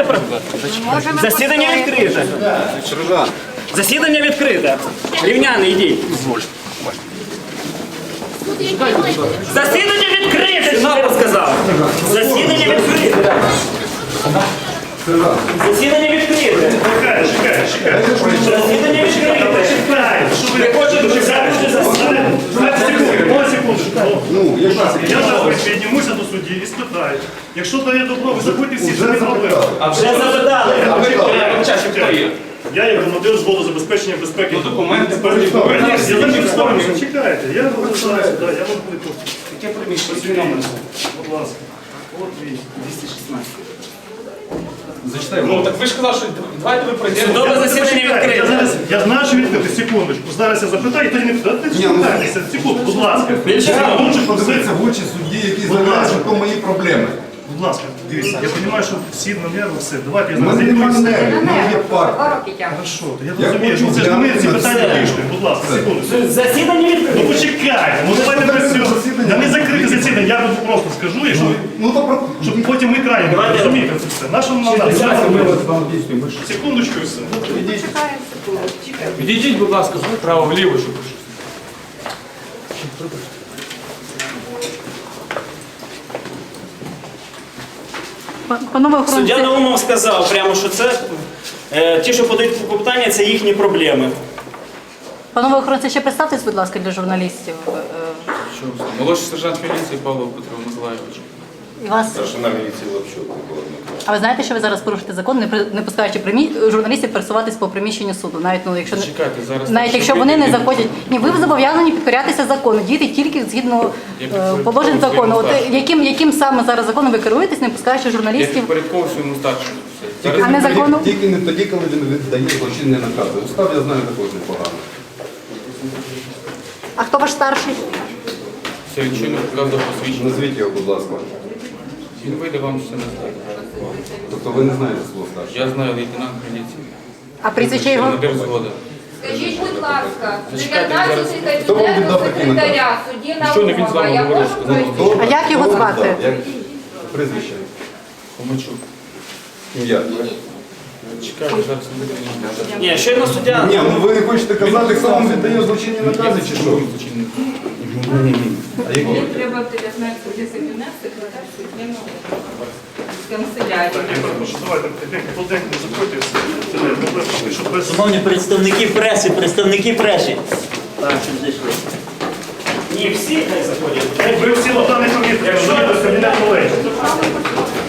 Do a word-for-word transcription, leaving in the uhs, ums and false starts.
Засідання відкрите. Засідання відкрите. Рівняни, йдіть. Засідання відкрите, що я сказав. Засідання відкрите. Засідання відкрите. Чекай, чекай, чекай. Засідання відкрите. Чекай, що ви Не хочете чекати, що засідання? Одну секунду. Я зараз піднімуся до судді і спитаю. Якщо дає добро, ви забудьте всі, що ви зробили. А вже запитали. Я як громадян зводу забезпечення безпеки. Документи Я не представлю, що чекайте. Я вважаю, да, я вам буду. Яке приміщення? Будь ласка. От він, двісті шістнадцять. Зачитай. Ну так ви ж казали, що давайте ви пройдемо. Судове засідання Я відкрите. зараз, я знаю, що відкрити, секундочку. Зараз я запитаю, і тоді не питаю. Секунду, будь ласка. Я Лучше хочу подивитися в очі судді, які Будь заявляють, ласка. що то мої проблеми. Будь ласка, дивіться, я розумію, що всі на нерви, все. Давайте я У зараз мене немає зайду. нервів, у мене є парк. Хорошо, я Я розумію, хочу що це ж ми ці глянути на питання все. вирішуємо. Будь ласка, секунду. Засідання Ну відкрите. почекайте, ну давайте без цього. Я не закрите засідання, я вам просто скажу, якщо ви- Ну то про... щоб потім ми крайні не розумієте це все. Нащо нам надо? Секундочку і все. Відійдіть, будь ласка, право вліво, щоб. Панове охоронці, Суддя Наумов сказав прямо, що це е, ті, що подають клопотання, це їхні проблеми. панове охоронці, ще представтесь, будь ласка, для журналістів. Е, Що? Молодший сержант міліції Павло Петро Миколайович. І вас. Старшина міліції Лапчук Микола Дмитрович. А ви знаєте, що ви зараз порушите закон, не при- не пускаючи примі... журналістів пересуватись по приміщенню суду, навіть ну, якщо не- Чекайте, зараз. навіть якщо вони не заходять. Ні, ви зобов'язані підкорятися закону, діяти тільки згідно Я е, підпорядковую положень закону. От своєму е, яким яким саме зараз законом ви керуєтесь, не пускаючи Я журналістів? підпорядковую своєму старшому. Все. Зараз А не закону? Тільки не тоді, коли він віддає злочинні накази. Устав я знаю також непогано. А хто ваш старший? все відчинно показав посвідчення. Назвіть його, будь ласка. Він вийде вам все назвати. Тобто ви не знаєте свого старшого. Я знаю лейтенант міліції. А прізвище його? Командир згоди. Скажіть, будь ласка, Зачекайте, дев'ятнадцятий Хто вам кабінету віддав такий секретаря судді Щойно він з Наумова, вами я говорив, можу сказав, пройти? А як його Хто вам звати? віддав? Як прізвище? Помочу. Ім'я. Чекайте, зараз не буде. Ні, щойно суддя. Ні, ну ви не хочете казати, хто вам віддає злочинні накази чи що? А які? Мені треба в дев'ятнадцятий кабінет секретар судді Наумова. З канцелярії. Я прошу, давайте потихеньку не заходьте і все. Це не проблема, щоб без... Шановні представники преси, представники преси. Так, щоб зайшли. Ні, всі хай заходять. Ви всі на даний повітря, розумієте, з кабінету лежить.